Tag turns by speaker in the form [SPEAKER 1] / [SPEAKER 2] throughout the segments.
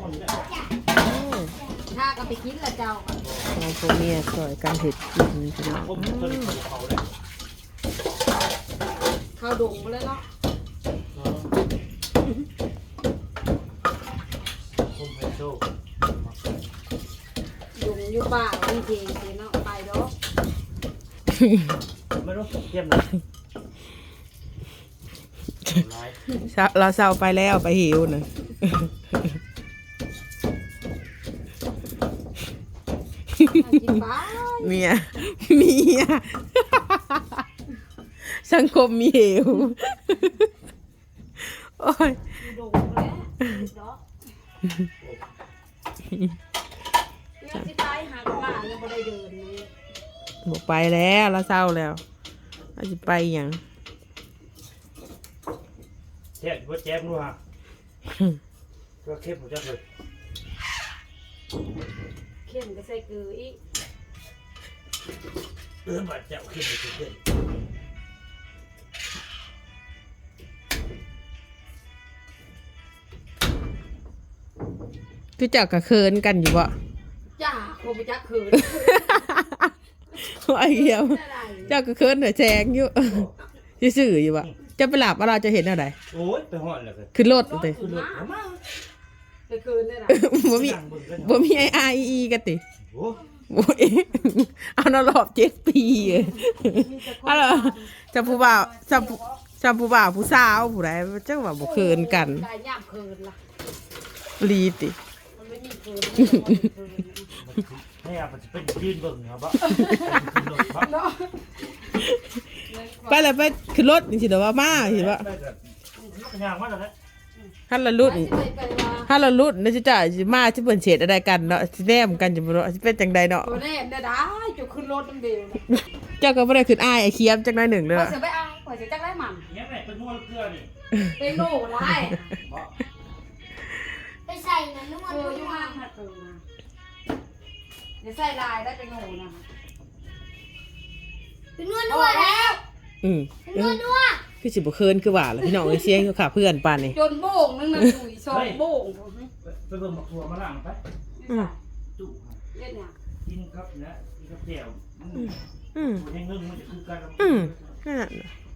[SPEAKER 1] ถ้าก็ไปกินละเจ้า
[SPEAKER 2] เราพวกเมียสอยการเห็ดกินพี่น้อง
[SPEAKER 1] ข้าวดงไปเลยเนาะดงอยู่ป่าจริงๆเนาะไปดอก
[SPEAKER 3] ไม่รู้เทียมเลย
[SPEAKER 2] เราเศร้าไปแล้วไปหิวนะเมียสังคมมีเหวโอ้ย
[SPEAKER 1] ดงแล้วดอกเนี่ยที่ตายหากันมายังไม่ได้เดินเลย
[SPEAKER 2] บอกไปแล้วเราเศร้าแล้วเราจะไปอย่าง
[SPEAKER 3] แจ๊บว่าแจ๊บรู้ฮะก็เข้มหมดจังเลย
[SPEAKER 1] เข้มก็ใส่เกลืออีก
[SPEAKER 3] บาดเจ็บเข้มไปเรื่อย
[SPEAKER 2] คือเจ้ากระเคินกันอยู่บ่
[SPEAKER 1] จ้าคงไปจักคืน
[SPEAKER 2] ไอ้เหี้ยเจ้ากระเคินเหนือแจงอยู่ซื่ออยู่บ่จะไปหลับอะไรจะเห็นอะไร
[SPEAKER 3] โอ้ยไปห่อนเลย
[SPEAKER 2] ขึ้นรถเลย
[SPEAKER 1] ไปคืนได้หรอ
[SPEAKER 2] บ่มีไอกันติโอ้ยเอานรอบ7 ปีเอาล่ะจะผู้บ่าวจะผู้บ่าวผู้สาวผู้ใดจังว่าบ่เคินกัน
[SPEAKER 1] ได้ย่ามคืนล่ะ
[SPEAKER 2] ลีติ
[SPEAKER 1] มันไม่มีคืน
[SPEAKER 3] ให้อาจจะเป็นยืนเบิ่งครับบ่
[SPEAKER 2] ไปแล้วไปขึ้นรถนี่สิเด้อว่ามาสิว่า
[SPEAKER 3] ย่างมาแล้ว
[SPEAKER 2] ถ้าเราลุ้นนี่จะสิมาสิเพิ่นเฉดอะไรกันเนาะสิแนมกันจะบ่เนาะสิเป็นจังไดเนาะ
[SPEAKER 1] บ่แน่ได้จุขึ้นรถนำเดียว
[SPEAKER 2] เจ้าก็บ่ได้ขึ้นอ้ายไอ้เคียมจักหน่อยหนึ่งเด้อ
[SPEAKER 1] ข่อยสิไปอ้ายข่อยสิจักได้มัน
[SPEAKER 3] ยังไงเป็นนวดเกลือนี่
[SPEAKER 1] เป็นโน่หลาย
[SPEAKER 4] ไปใส่นะนวด
[SPEAKER 1] อยู่ห้างหัดเกินนะเดี๋ยวใส่ลายได้เป็นโน่นะ
[SPEAKER 4] เป็นนวดแล้วนวด
[SPEAKER 2] คือสิบ่เคินคือว่าล่ะพี่น้องเอ้ยเสียงอยู่ค่ะเพื่อนปานนี่
[SPEAKER 1] จนโบ่งนึงน่ะถุยซองโบ่ง
[SPEAKER 3] ไปเบิ่งบักถั่วมาล้างไปจุ
[SPEAKER 1] เฮ็ดหยัง
[SPEAKER 3] กินครับนะกินกับแจ่วยังนึ่งมันจะคือกัน
[SPEAKER 2] นั่น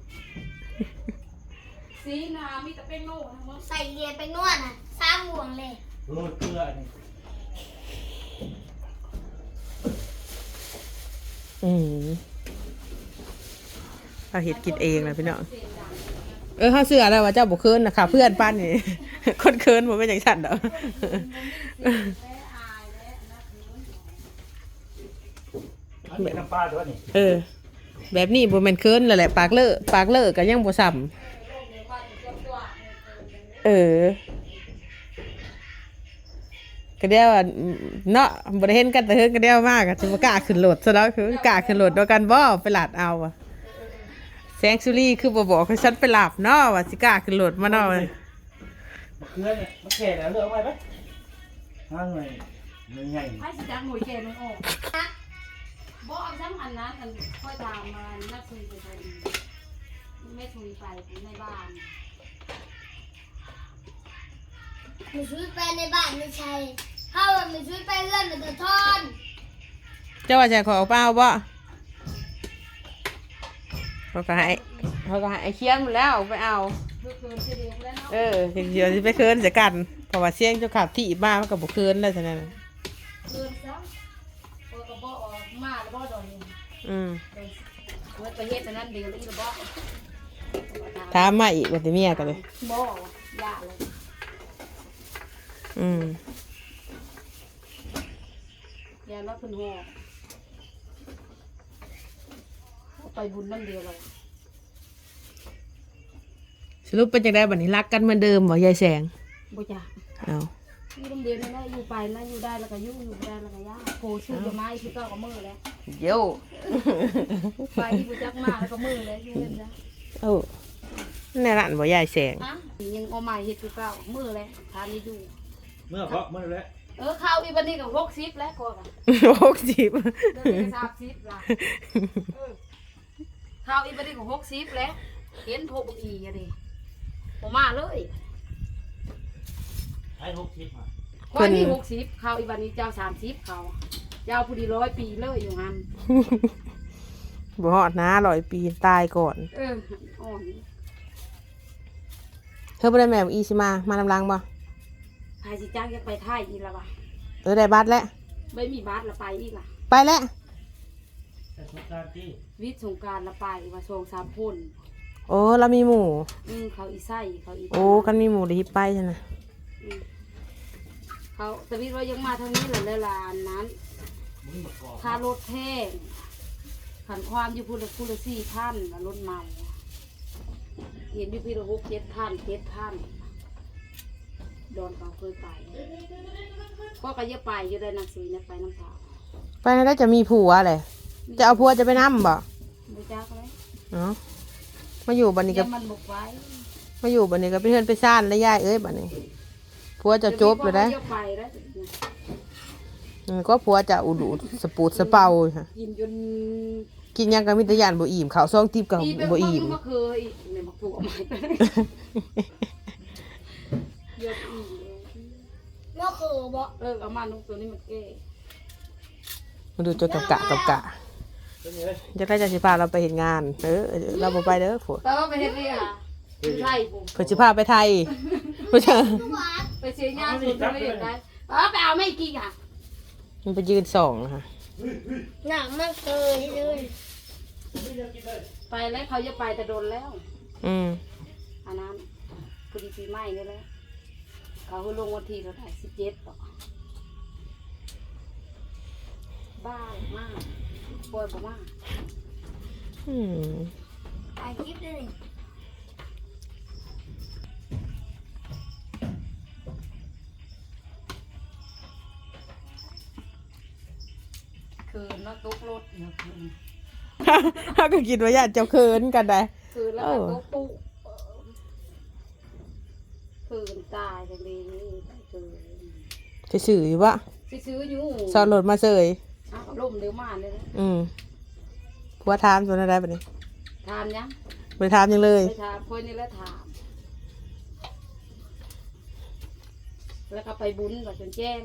[SPEAKER 1] สีนามีแต่เป็นโน่ทั้งหมด
[SPEAKER 4] ใส่เรียนไปนวดน่ะ3 ห่วงเลย
[SPEAKER 3] โรยเกลือนี่
[SPEAKER 2] เราเฮ็ดกินเองนะพี่น้องเฮาเชื่อแล้วว่าเจ้าบ่เคินน่ะค่ะเพื่อนปานนี่คนเคินบ่เป็นจังซั่นดอก
[SPEAKER 3] น้ำปลาตัวนี้
[SPEAKER 2] แบบนี้บ่แม่นเคินแล้วแหละปากเลอะก็ยังบ่ซ้ำก็เดียวเนาะบ่ได้เห็นกันแต่เฮิงก็เดียวมากก็สิบ่กล้าขึ้นรถซะแล้วคือกล้าขึ้นรถด้วยกันบ่ไปลาดเอาแสงสุรีคือบ่บอกให้ฉันไปหลับเนาะว่าสิกล้าขึ้นรถมาเนาะ
[SPEAKER 3] มะเขือเนี่ยมะแข่แล้วเลือกไว้ไหมห้างเลยมันใหญ่
[SPEAKER 1] ให้สิจักหน่วยแก่มันออกบ่เอาซ้ำอันนั้นอันค่อยตามมานักคุยไปไม่คุยไปในบ้าน
[SPEAKER 4] มีชุดไปในบ้านไม่ใช่ถ้าว่ามีชุดไปเลื่อนมันจะทอน
[SPEAKER 2] เจ้าว่าจะขอเปล่าบ่เขาก็ให้ไอ้เคียนหมดแล้วไปเอาเดี๋ยวจะไปเคินเสียกันเพราะว่าเสียงเจ้าขับที่มามันก็บอกเคินแล้วฉะนั้น
[SPEAKER 1] เคินซะพอกระบอกออกมาแล้วบ่ดอกนี่เมื่อไปเฮ็ดอันนั้นเดี๋ยวอีกระบอก
[SPEAKER 2] ถามมาอีกว่าจะเมียกันเลย
[SPEAKER 1] บ่ยาเลยยาแล้วเพิ่นห่อไปบุญนั่นเดียวเลย
[SPEAKER 2] สรุปเป็นจังได๋บัดนี้รักกันเหมือนเดิมบ่ยายแสง
[SPEAKER 1] บ่จ้ะ
[SPEAKER 2] อ้าว
[SPEAKER 1] อยู่นำเดียวนั่นแหละอยู่ไปนะอยู่ได้แล้วก็อยู่บ่ได้แล้วก็ยาโคชื่อจะมาคือเก่าก็มื้อแล้ว
[SPEAKER 2] โย่
[SPEAKER 1] ไปบ่จักมาแล้วก็มื้อแล้วอยู่เห็นจ้ะ
[SPEAKER 2] ในร้านบ่ยายแสง
[SPEAKER 1] ยังเอาใหม่เฮ็ดคือเก่ามื้อแล้วทานนี่อยู่
[SPEAKER 3] เมื่อเพราะมื้อแล้ว
[SPEAKER 1] ข้าวอีบัดนี้ก็60แล้วก็กัน
[SPEAKER 2] 60
[SPEAKER 1] เดี๋ยวนี้30ล่ะข้าวอีบัดนี้ก็60แล้วเห็นโทรบ่อีอ่ะดิบ่มาเลย
[SPEAKER 3] ให้60มา
[SPEAKER 1] คอยนี่60เขาอีวันนี้เจ้า30เขาเจ้าผู้ดี100 ปีเลยอยู่หัน
[SPEAKER 2] บ่ฮอดนะ100 ปีตายก่อน
[SPEAKER 1] อ่อน
[SPEAKER 2] เธอบ่ได้แม่อีสิมานำลังบ่
[SPEAKER 1] พายสิจ้างจะไปไทยอีกแล้ววะ
[SPEAKER 2] ได้บัตรแล้ว
[SPEAKER 1] ไม่มีบัตรละไปอีกล่ะ
[SPEAKER 2] ไปแล้ว
[SPEAKER 3] แต่สงกรานต์ที่
[SPEAKER 1] วิทย์สงกรารละไปว่า2-3 คน
[SPEAKER 2] โอ้เรามีหมู่
[SPEAKER 1] เขาอีไส้เขาอี
[SPEAKER 2] โอ้กันมีหมู่ได้ฮิปไปซั่นน่ะ
[SPEAKER 1] เขาตะวิทย์ว่ายังมาทางนี้แหละเลยล่ะอันนั้น
[SPEAKER 3] มึงมากอก
[SPEAKER 1] ค่ารถแพงขันความอยู่พูละ4,000รถเมาเห็นอยู่พี่ละ7,000โดนเขาเคยไปก็จะไปอยู่ได้หนังสือเนี่ยไปน้ำตา
[SPEAKER 2] ไปแล้วจะมีผัวแหละจะเอาผัวจะไปนำบ่
[SPEAKER 1] ไม่จ้าก็เลย
[SPEAKER 2] เนาะมาอยู่บัดนี้
[SPEAKER 1] เดี๋
[SPEAKER 2] ก็
[SPEAKER 1] ยวมันบุกไว้
[SPEAKER 2] มาอยู่บัดนี้ก็ไปเฮือนไปซ่านแล้วยายเอ้ยบัดนี้ผัวจะจบเลยได้
[SPEAKER 1] เดี๋ยวไปแล้ว
[SPEAKER 2] ก็ผัวจะอุดูสปูดสะเปาค่ะ
[SPEAKER 1] กินจน
[SPEAKER 2] กินหยังก็มีแต่ยานบ่อิ่มข้าวซองทิพย์ก็
[SPEAKER 1] ตีเป็น
[SPEAKER 2] บ่
[SPEAKER 1] คน
[SPEAKER 2] อิ่ม
[SPEAKER 1] ก็เคยเนี่ยมาปลูกเอาใหม่ไปเยอะอีก
[SPEAKER 4] ก็คือบอก
[SPEAKER 1] เอามานุกตัวนี้มันแก่
[SPEAKER 2] มาดูจนกับกะ
[SPEAKER 3] เป็นยังไง
[SPEAKER 2] จะได้จะสิพาเราไปเฮ็ดงานเราบ่ไปเด้อผัว
[SPEAKER 1] แต่ว่าไปเฮ็ดนี่ค่ะคือไทยปุ๊บ
[SPEAKER 2] เพิ่นสิพาไปไทยบ่ใช่
[SPEAKER 1] ไปเสียงานสุดไม่เห็นได้ไปเอาไม่กี่ค่ะ
[SPEAKER 2] มันไปยืนส่องค่ะ
[SPEAKER 4] หนังมันเคยเลย
[SPEAKER 1] ไปแล้วเขาจะไปแต่โดนแล้ว อันนั้นพอดีปีใหม่นี่แหละเขาลงวันที่เราถ่าย17ต่อบ้ามากปวดมาก
[SPEAKER 4] ถ่ายคลิปด้วยนี่
[SPEAKER 1] คืนแล้วตุกรถเนี่ยคืน
[SPEAKER 2] เขาก็คิดว่าญาติเจ้าเคินกันได้
[SPEAKER 1] คืนแล้วก็ตุกปุ๊คืนตายจังดีคืน
[SPEAKER 2] จะสื่ออยู่วะ
[SPEAKER 1] ซื้ออยู่
[SPEAKER 2] สอนรถมาเสย
[SPEAKER 1] ล่มเดี๋ยวมาเลยนะ
[SPEAKER 2] ผัวถามส่วนอะไรบัดนี้
[SPEAKER 1] ถามยัง
[SPEAKER 2] บ่ได้ถามหยังเลย
[SPEAKER 1] ไปถามคนนี่แล้วถาม แล้วก็ไปบุญกับจนแจ้ง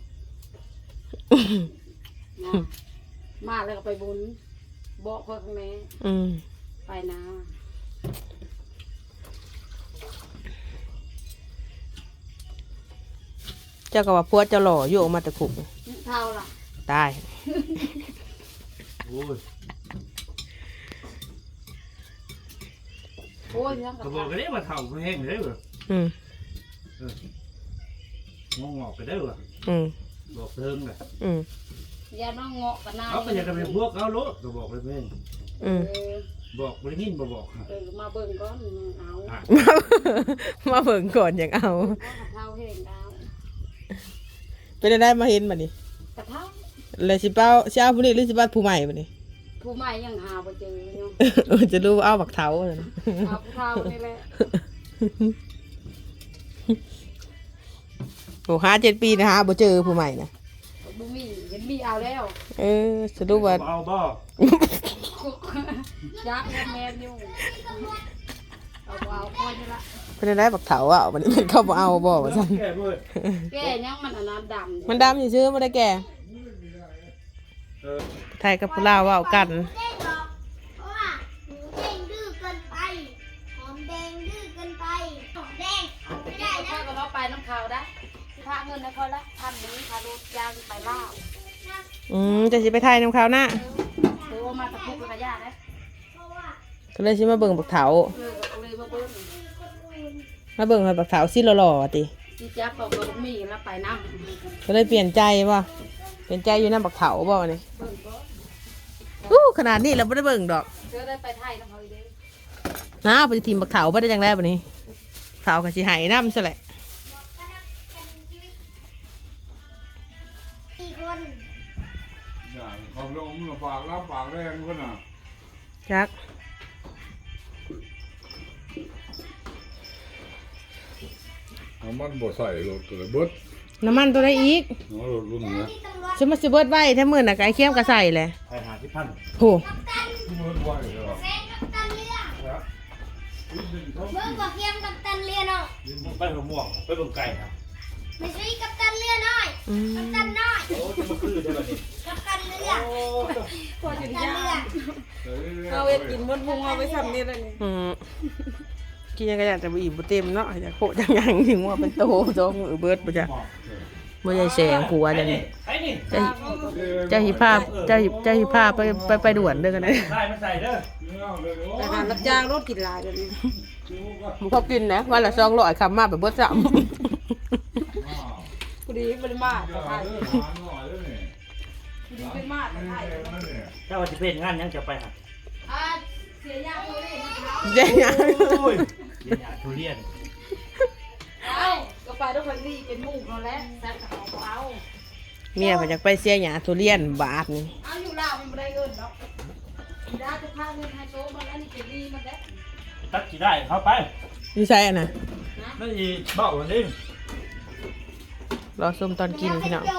[SPEAKER 1] มาแล้วก็ไปบุญบอกพ่อแม่ ไปนะ
[SPEAKER 2] เจ้าก็ว่าผัวเจ้าหล่ออยู่ออกมาแต่คุก
[SPEAKER 1] เท่าล่ะ
[SPEAKER 2] ตาย
[SPEAKER 3] โอ้ย
[SPEAKER 1] โอ้ยยัง
[SPEAKER 3] กระบอกกันได้มาเท่าแห้งเลยเหรอ
[SPEAKER 2] อืม
[SPEAKER 3] งงอกกันได้เหรอ
[SPEAKER 2] อืม
[SPEAKER 3] บอกเทิงเลย
[SPEAKER 2] อืม
[SPEAKER 1] ยาน้องเงาะกับนาย
[SPEAKER 3] เขาก็อยากจะเป็นพวกเขาโลดกระบอกเลยเพื่อน บอกบริญินบอกค่ะ
[SPEAKER 1] มาเบิ่งก้อนเอา
[SPEAKER 2] มาเบิ่งก่อนอย่างเอา
[SPEAKER 1] เท่าเห็นดาว
[SPEAKER 2] เป็นได้มาเห็นบัดนี้
[SPEAKER 1] กระเท่า
[SPEAKER 2] เลยสิเป้าสิเอาผู้นี้หรือสิบ้านผู้ใหม่บัดนี้
[SPEAKER 1] ผู้ใหม่ยังหาบ่เจอเนาะ
[SPEAKER 2] จะรู้ว่าเอาบักเท้าเลยนะ
[SPEAKER 1] เอาผู้เท่านี่แหละ
[SPEAKER 2] โอ้5-7 ปีนะฮะบ่เจอผู้ใหม่นะ
[SPEAKER 1] บุมีเห็นมีเอาแล้ว
[SPEAKER 2] จะรู้ว่า
[SPEAKER 3] เอาบ่
[SPEAKER 1] ยักษ์แมนอยู่เอาค่อยนี่ละ
[SPEAKER 2] เป็นได้บักเท้าอ่ะมันเป็นเข้าบ่เอาบ่ว่าซั่น
[SPEAKER 3] แก่เพื่อน
[SPEAKER 1] แก่ยังมันอันนั้นดำ
[SPEAKER 2] มันดำซื่อๆบ่ได้แก่ไทยกับผู้ลาวเว้ากัน
[SPEAKER 4] เด้งหรอกเพราะว่าหมูเด้งดื้อเกินไปหอมแดงดื้อเกินไปหอมแดงออกไม่ได้
[SPEAKER 1] ค่
[SPEAKER 4] นะ
[SPEAKER 1] อยก็เราไปน้ำขาวได้พาเงินนะค่อยละ1,000นี้พารถยางไปล่า
[SPEAKER 2] จะสิไปไทยนำเขาวหน้า
[SPEAKER 1] หรือว่ามาตะคุกกระยาได้
[SPEAKER 4] เพราะว่า
[SPEAKER 2] ก็เลยสิมาเบิ่งบักเท้า
[SPEAKER 1] เลยมาเบิ้ล
[SPEAKER 2] มาเบิ่งให้บักเท้าสิหล่อๆติ
[SPEAKER 1] ที่จับบอกกับมีแล้วไปน้ำ
[SPEAKER 2] ก็เลยเปลี่ยนใจบ่เปลี่ยนใจอยู่นำบักเท้าบ่นี่
[SPEAKER 1] เบิ้ลก็
[SPEAKER 2] ขนาดนี้เราบ่ได้เบิ่งดอก
[SPEAKER 1] เจอได้ไปไทยน้ำเขาอีกเด้
[SPEAKER 2] นะไปทีมบักเท้าบ่ได้จังได๋บัดนี้เท้าก็สิให้นำซะแหละ
[SPEAKER 4] 4 คน
[SPEAKER 5] อย่างเขาลงมาฝากรับฝากแรงคนน่ะ
[SPEAKER 2] จัก
[SPEAKER 5] น้ำมันบ่ใส่รถเลยเบิด
[SPEAKER 2] น้ำมันตัวใดอีก
[SPEAKER 5] น้ำรถรุ่นเนี้ย
[SPEAKER 4] ที่ตำรวจ
[SPEAKER 2] สิมาสิเบิดไว้ถ้ามื้อน่ะก็ไอ้เคียมก็ใส่แหละ
[SPEAKER 3] ใครหาที่พัน
[SPEAKER 2] โห
[SPEAKER 5] เบิดไว้เหรอ
[SPEAKER 4] แซงกับตันเรือ
[SPEAKER 3] ครับ
[SPEAKER 4] เบิ่งกว่าเทียมกับตันเรือเนาะ
[SPEAKER 3] ไปหัวม่วงไปเบิ่งไก่ครับ
[SPEAKER 4] ไม่ใช่กัปตันเรือน้อย
[SPEAKER 2] อืม
[SPEAKER 4] กัปตันน้อย
[SPEAKER 3] โอ้จะมาคือใช่ป่ะนี่
[SPEAKER 4] กัปตันเรือ
[SPEAKER 3] โอ้
[SPEAKER 1] พอจะ
[SPEAKER 4] กัปตัน
[SPEAKER 1] ยา
[SPEAKER 4] เรือ
[SPEAKER 1] เอาเอ็ดกินมดพุงเอาไปทำนี่เลยนี่
[SPEAKER 2] กินยังก็อยากจะบ่อิ่มบ่เต็มเนาะอยากโคจังยังถึงว่าเป็นโตสองมือเบิดบ่จ้ะบ่ใช่แสงผัวจังนี่
[SPEAKER 3] ไอ้นี่
[SPEAKER 2] เจ้าหิภาพเจ้าหิภาพไปด่วนเด้อกันนะ
[SPEAKER 3] ใส่มาใส่เด้อ
[SPEAKER 1] แต่การรับจ้างรถกินหลายแบบนี้
[SPEAKER 2] บ่พอกินนะวันละ200คำมาแบบเบิดซ้ำ
[SPEAKER 1] พอดีบริมาตรไทยพอดีบริมาตรไทย
[SPEAKER 3] เจ้าว่าจะเป็นงานยังจะไปหา
[SPEAKER 1] เสียยาตัวนี้นะคะ
[SPEAKER 2] เจ๊ยัง
[SPEAKER 3] โอ้ยเรียนทุเรียน
[SPEAKER 1] เอาก็ไปด้วยคนดีเป็นหมู่นั่นแหละแซ่บกับเขา
[SPEAKER 2] เมียก็อยากไปเสียหญ้าทุเรียนบาทนี่
[SPEAKER 1] เอาอยู่ลาวมันไม่ได้เงินหรอกดาจะพาเงินไฮโซมันแล้วนี่จะดีมันแล้ว
[SPEAKER 3] ตัดกี่ได้เข้าไป
[SPEAKER 2] อยู่ไสอ่ะนะ
[SPEAKER 3] นั่นอีเบ้าวันนี้
[SPEAKER 2] รอส้มตอนกินพี่น้อง